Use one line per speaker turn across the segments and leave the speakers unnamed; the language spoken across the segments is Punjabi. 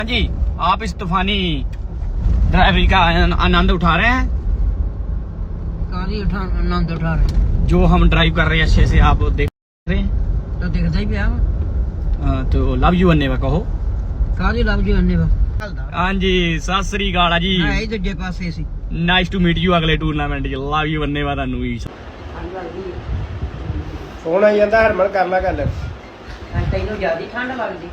जी, आप इस तूफानी ड्राइवरी का आनंद उठा रहे हैं।
आनंद उठा रहे हैं
जो हम ड्राइव कर रहे हैं अच्छे से आप देख रहे हैं।
तो देखता ही पिया
तो लव यू अन्ने कहो।
काली लव जी अन्ने
हाँ जी, सत श्री अकाल जी।
है दूजे पासे सी
नाइस टू मीट यू अगले टूरनामेंट च। लव यू अन्ने ਤੁਹਾਨੂੰ ਵੀ।
ਫੋਨ ਆਈ ਜਾਂਦਾ ਹਰਮਨ ਕਰ ਲਾ ਗੱਲ।
ਤੈਨੂੰ ਜ਼ਿਆਦਾ ਠੰਡ ਲੱਗਦੀ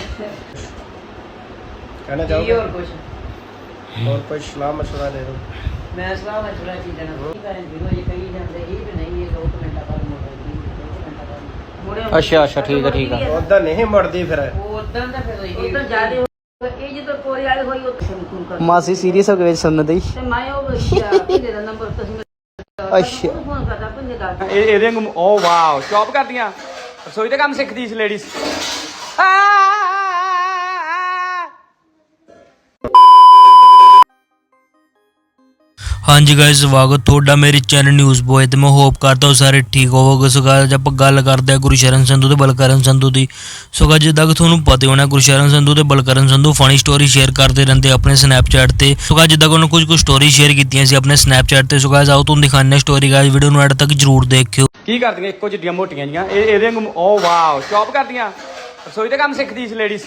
ਕਹਿਣਾ
ਕੀ
ਚਾਹੋਗੇ
ਹੋਰ
ਕੋਈ ਸਲਾਹ ਮਸ਼ਵਰਾ ਦੇ ਦਿਓ।
ਮੈਂ ਸਲਾਹ ਮਸ਼ਵਰਾ ਕੀ ਦੇਣਾ ਕੀ ਕਰਨ ਵੀਰੋ ਇਹ ਕਹੀ ਜਾਂਦੇ ਇਹ ਵੀ ਨਹੀਂ ਇਹ 2 ਮਿੰਟਾਂ ਬਾਅਦ ਮੋੜੇਗੀ
ਅੱਛਾ ਠੀਕ ਹੈ
ਉਦਾਂ ਨਹੀਂ ਮੁੜਦੀ ਫਿਰ
ਉਦਾਂ ਦਾ ਫਿਰ ਉਦਾਂ ਜ਼ਿਆਦਾ ਇਹ ਜਦੋਂ ਕੋਰੇ ਵਾਲੀ ਹੋਈ ਉਹ ਫੋਨ ਕਰ
ਮਾਸੀ ਸੀਰੀਅਸ ਹੋ ਕੇ ਵਿੱਚ ਸੁਣਨ ਦੀ।
ਤੇ ਮੈਂ ਉਹ ਕਿਹਦੇ ਦਾ ਨੰਬਰ ਤੁਸੀਂ
ਅੱਛਾ
ਫੋਨ ਕਰਦਾ ਪੰਨੇ ਦਾ
ਇਹਦੇ ਵਾਂਗੂ ਓ ਵਾਓ ਚੌਪ ਕਰਦੀਆਂ ਰਸੋਈ ਦਾ ਕੰਮ ਸਿੱਖਦੀ ਸੀ ਲੇਡੀਜ਼।
हाँ जी गाइस, स्वागत ਤੁਹਾਡਾ ਮੇਰੇ ਚੈਨਲ ਨਿਊਜ਼ ਬੋਏ ਤੇ ਮੈਂ ਹੋਪ ਕਰਦਾ ਹਾਂ ਸਾਰੇ ਠੀਕ ਹੋਵੋਗੇ। ਸੋ गाइस ਆਪਾਂ ਗੱਲ ਕਰਦੇ ਹਾਂ ਗੁਰਸ਼ਰਨ ਸੰਧੂ ਤੇ ਬਲਕਰਨ ਸੰਧੂ ਦੀ। ਸੋ गाइस ਜਿੱਦਾਂ ਕਿ ਤੁਹਾਨੂੰ ਪਤਾ ਹੋਣਾ ਗੁਰਸ਼ਰਨ ਸੰਧੂ ਤੇ Balkaran Sandhu funny story share ਕਰਦੇ ਰਹਿੰਦੇ ਆਪਣੇ ਸਨੈਪਚੈਟ ਤੇ। ਸੋ गाइस ਜਿੱਦਾਂ ਕਿ ਉਹਨਾਂ ਕੁਝ ਸਟੋਰੀ ਸ਼ੇਅਰ ਕੀਤੀਆਂ ਸੀ ਆਪਣੇ ਸਨੈਪਚੈਟ ਤੇ। ਸੋ गाइस ਆਓ ਤੁਹਾਨੂੰ ਦਿਖਾਉਂਦੇ ਹਾਂ ਸਟੋਰੀ। गाइस ਵੀਡੀਓ ਨੂੰ ਐਡ ਤੱਕ ਜਰੂਰ ਦੇਖਿਓ।
ਕੀ ਕਰਦੀਆਂ ਇੱਕੋ ਜਿਹੀਆਂ ਮੋਟੀਆਂ ਜੀਆਂ ਇਹਦੇ ਵਾਂਗੂ ਓ ਵਾਓ ਚੌਪ ਕਰਦੀਆਂ ਰਸੋਈ ਦਾ ਕੰਮ ਸਿੱਖਦੀ ਸੀ ਲੇਡੀਜ਼।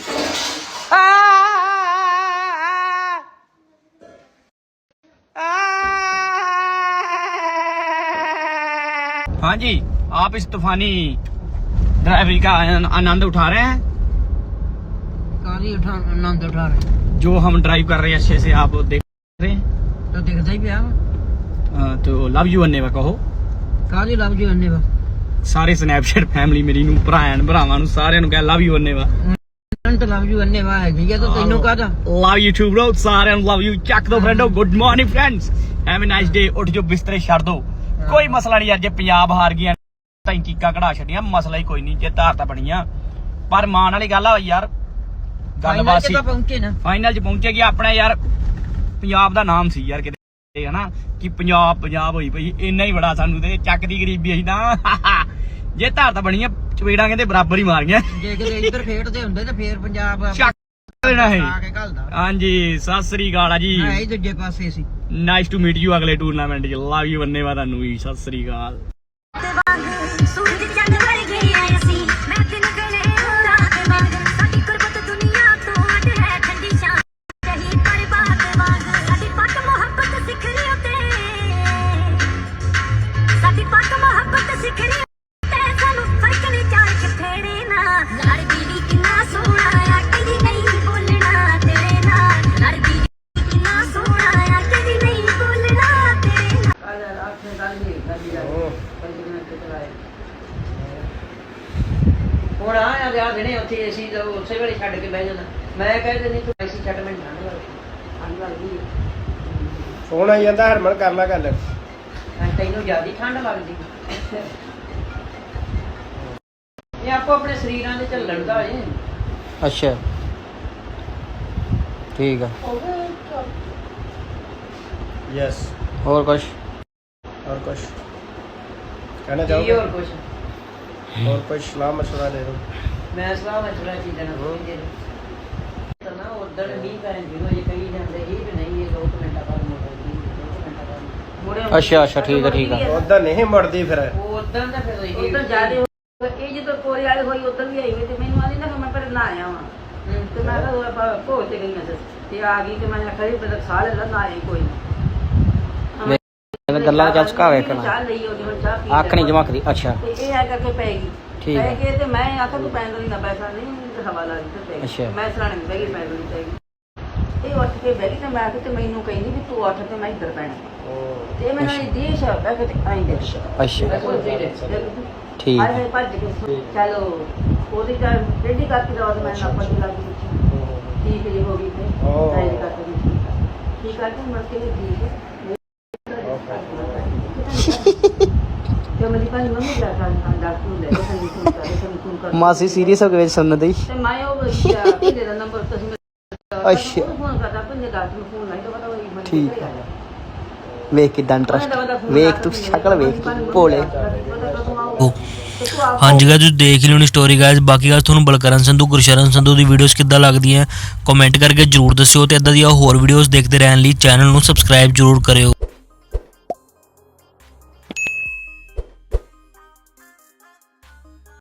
हाँ जी, आप इस तूफानी ड्राइवरी का आनंद उठा रहे हैं।
काली आनंद उठा रहे हैं
जो हम ड्राइव कर रहे हैं अच्छे से आप देख रहे हैं।
तो देखता ही पिया
तो लव यू अन्ने कहो।
काली लव जी अन्ने
ਸਾਰੇ ਸਨੈਪਚੈਟ ਫੈਮਿਲੀ ਮੇਰੀ ਨੂੰ ਭਰਾਵਾਂ ਨੂੰ ਸਾਰਿਆਂ ਨੂੰ ਕਹਿ ਲਵ ਯੂ ਅੰਨੇ ਵਾ।
ਤਾਂ ਲਵ ਯੂ ਅੰਨੇ ਵਾ ਹੈਗੀ ਆ ਤਾਂ ਤੈਨੂੰ ਕਾਹਦਾ
ਲਵ ਯੂ ਟੂ ਬ੍ਰੋ। ਸਾਰਿਆਂ ਨੂੰ ਲਵ ਯੂ ਚੱਕ ਦੋ ਫਰੈਂਡੋ। Good morning friends, have a nice day. ਉੱਠ ਜੋ ਬਿਸਤਰੇ ਛੱਡ ਦੋ, ਕੋਈ ਮਸਲਾ ਨਹੀਂ ਯਾਰ। ਜੇ ਪੰਜਾਬ ਹਾਰ ਗਿਆ ਤਾਂ ਚੀਕਾਂ ਕਢਾ ਛੱਡੀਆਂ, ਮਸਲਾ ਹੀ ਕੋਈ ਨਹੀਂ। ਜੇ ਧਾਰ ਤਾਂ ਬਣੀਆਂ ਪਰ ਮਾਣ ਵਾਲੀ ਗੱਲ ਆ ਯਾਰ। ਗੱਲਬਾਤ ਸੀ
ਪਹੁੰਚੇ ਨਾ
ਫਾਈਨਲ ਚ ਪਹੁੰਚੇਗੀ ਆਪਣਾ ਯਾਰ। ਪੰਜਾਬ ਦਾ ਨਾਮ ਸੀ ਯਾਰ ਕਿਤੇ ਹਨਾ ਕਿ ਪੰਜਾਬ ਹੋਈ ਪਈ ਇੰਨਾ ਹੀ ਬੜਾ ਸਾਨੂੰ ਤੇ ਚੱਕ ਦੀ ਗਰੀਬੀ ਅਸੀਂ ਤਾਂ। ਜੇ ਧਾਰ ਤਾਂ ਬਣੀਆਂ ਚਪੇੜਾਂ ਕਹਿੰਦੇ ਬਰਾਬਰ ਹੀ ਮਾਰੀਆਂ।
ਜੇ ਕਿਤੇ ਇੱਧਰ ਖੇਡਦੇ ਹੁੰਦੇ ਤੇ ਫੇਰ ਪੰਜਾਬ
ਚੱਕ ਦੇਣਾ ਹੈ।
ਆ ਕੇ ਘਲਦਾ
ਹਾਂਜੀ, ਸਤਿ ਸ੍ਰੀ ਅਕਾਲ ਜੀ।
ਹੈ ਦੂਜੇ ਪਾਸੇ ਸੀ
ਨਾਈਸ ਟੂ ਮੀਟ ਯੂ ਅਗਲੇ ਟੂਰਨਾਮੈਂਟ ਚ। ਲਵ ਯੂ ਬੰਨੇ ਵਾ ਤੁਹਾਨੂੰ ਵੀ। ਸਤਿ ਸ੍ਰੀ ਅਕਾਲ।
ਹੁਣ ਆ ਯਾਰ ਦੇਣੇ ਉੱਥੇ ਅਸੀਂ ਉਸੇ ਵੇਲੇ ਛੱਡ ਕੇ ਬਹਿ ਜਾਣਾ। ਮੈਂ ਕਹਿੰਦੇ ਨਹੀਂ ਤੂੰ ਐਸੀ ਛੱਡ ਮੈਨੂੰ ਠੰਡ ਲੱਗਦੀ
ਫੋਨ ਆਈ ਜਾਂਦਾ ਹਰਮਨ ਕਰ ਲਾ ਗੱਲ।
ਤੈਨੂੰ ਜ਼ਿਆਦਾ ਠੰਡ ਲੱਗਦੀ ਇਹ ਆਪੋ ਆਪਣੇ ਸਰੀਰਾਂ ਦੇ ਚੱਲਣ ਦਾ ਏ।
ਅੱਛਾ ਠੀਕ ਆ।
ਯੈਸ
ਹੋਰ ਕੁਛ
ਕਹਿਣਾ
ਕੀ
ਚਾਹੋਗੇ
ਹੋਰ ਕੁਛ
ਕੋਈ ਸਲਾਹ ਮਸ਼ਵਰਾ ਦੇ ਦਿਓ।
ਮੈਂ ਸਲਾਹ ਮਸ਼ਵਰਾ ਕੀ ਦੇਣਾ ਤਾਂ ਨਾ ਉਦੋਂ ਮੀਂਹ ਪੈਣ ਵੀਰੋ ਇਹ ਕਹੀ ਜਾਂਦੇ ਇਹ ਵੀ ਨਹੀਂ ਇਹ 2 ਮਿੰਟਾਂ ਬਾਅਦ ਮੋੜੇਗੀ 2 ਮਿੰਟਾਂ ਬਾਅਦ
ਅੱਛਾ ਠੀਕ ਹੈ
ਉਦਾਂ ਨਹੀਂ ਮੁੜਦੀ ਫਿਰ
ਉਦਾਂ ਦਾ ਫਿਰ ਉਦਾਂ ਜ਼ਿਆਦਾ ਇਹ ਜਦੋਂ ਕੋਰੇ ਵਾਲੀ ਹੋਈ ਉਦੋਂ ਵੀ ਆਈ ਹੋਈ ਤੇ ਮੈਨੂੰ ਆਂਦੀ ਨਾ ਮੈਂ ਪਰ ਨਾ ਆਇਆ ਵਾਂ ਤੇ ਮੈਂ ਤਾਂ ਭੋਜ ਤੇ ਗਈਆਂ ਤੇ ਆ ਗਈ ਤੇ ਮੈਂ ਆਖਿਆ ਵੀ ਬਦਲ ਸਾਲ ਲੈ ਨਾ ਆਈ ਕੋਈ
ਗੱਲਾਂ ਚੱਲ ਸਕਾ ਵੇਖਣਾ
ਚਾਹ ਲਈ ਉਹਦੀ ਹੁਣ ਚਾਹ ਪੀ
ਅੱਖ ਨਹੀਂ ਜਮਕਦੀ। ਅੱਛਾ
ਤੇ ਇਹ ਆ ਕਰਕੇ ਪੈ ਗਈ
ਠੀਕ
ਪੈ
ਹੈ।
ਗਈ ਤੇ ਮੈਂ ਆਖਿਆ ਤੂੰ ਪੈਂਦਾ ਨਹੀਂ ਨਾ ਪੈਸਾ ਨਹੀਂ ਹਵਾ ਲਾ ਦਿੱਤੀ ਤੇ
ਅੱਛਾ।
ਮੈਂ ਸਰਾਣੇ ਨਹੀਂ ਬਹਿ ਗਈ ਪੈਂਦਾ ਨਹੀਂ ਚਾਹੀਦੀ। ਇਹ ਉੱਠ ਕੇ ਬਹਿ ਗਈ ਤੇ ਮੈਂ ਆਖਿਆ ਤੇ ਮੈਨੂੰ ਕਹਿੰਦੀ ਵੀ ਤੂੰ ਉੱਠ ਤੇ ਮੈਂ ਇੱਧਰ ਪੈਣਾ ਤੇ ਮੈਨੂੰ ਇਹ ਦੇਸ਼ ਆ ਬਹਿ ਕੇ ਆਈ ਦੇ
ਅੱਛਾ ਠੀਕ
ਹਾਏ ਹਾਏ ਭੱਜ ਕੇ ਚਲੋ ਉਹਦੀ ਤਾਂ ਰੈਡੀ ਕਰਕੇ ਦਵਾ ਮੈਂ ਨਾ ਪੱਟੀ ਲੱਗ ਗਈ ਠੀਕ ਜੀ ਹੋ ਗਈ ਤੇ ਰੈਡੀ ਕਰਕੇ ਠੀਕ ਕਰਕੇ ਮੁੜ ਕੇ ਠੀਕ ਹੈ ਤੇ ਮੇਰੀ ਭਾਈ ਮੰਮੀ ਦਾ ਡਾਕਟਰ ਨੂੰ ਲੈ ਕੇ ਸਾਨੂੰ ਕਰ
ਮਾਸੀ ਸੀਰੀਅਸ ਹੋ ਕੇ ਵਿੱਚ ਸੁਣਨ ਦੀ।
ਤੇ ਮੈਂ ਉਹ ਕਿਹਦੇ ਦਾ ਨੰਬਰ ਤੁਸੀਂ
ਅੱਛਾ
ਫੋਨ ਕਰਦਾ ਪੰਨੇ ਡਾਕਟਰ ਨੂੰ ਫੋਨ ਲਾਈ ਤਾਂ ਪਤਾ ਹੋਈ ਮੈਂ
ਠੀਕ ਹੈ। ਵੇਖ ਕਿਦਾਂ ਇੰਟਰਸਟ ਵੇਖ ਤੂੰ ਸ਼ਕਲ ਵੇਖ ਤੂੰ ਭੋਲੇ।
ਪਤਾ ਕਦੋਂ ਆਊ
ਹਾਂਜੀ guys, ਤੁਸੀਂ ਦੇਖ ਹੀ ਲਿਓਣੀ ਸਟੋਰੀ ਗਾਇਜ਼। ਬਾਕੀ ਗੱਲ ਤੁਹਾਨੂੰ ਬਲਕਰਨ ਸੰਧੂ ਗੁਰਸ਼ਰਨ ਸੰਧੂ ਦੀ ਵੀਡੀਓਜ਼ ਕਿੱਦਾਂ ਲੱਗਦੀਆਂ ਕਮੈਂਟ ਕਰਕੇ ਜਰੂਰ ਦੱਸਿਓ ਤੇ ਇਦਾਂ ਦੀਆਂ ਹੋਰ ਵੀਡੀਓਜ਼ ਦੇਖਦੇ ਰਹਿਣ ਲਈ ਚੈਨਲ ਨੂੰ ਸਬਸਕ੍ਰਾਈਬ ਜਰੂਰ ਕਰਿਓ।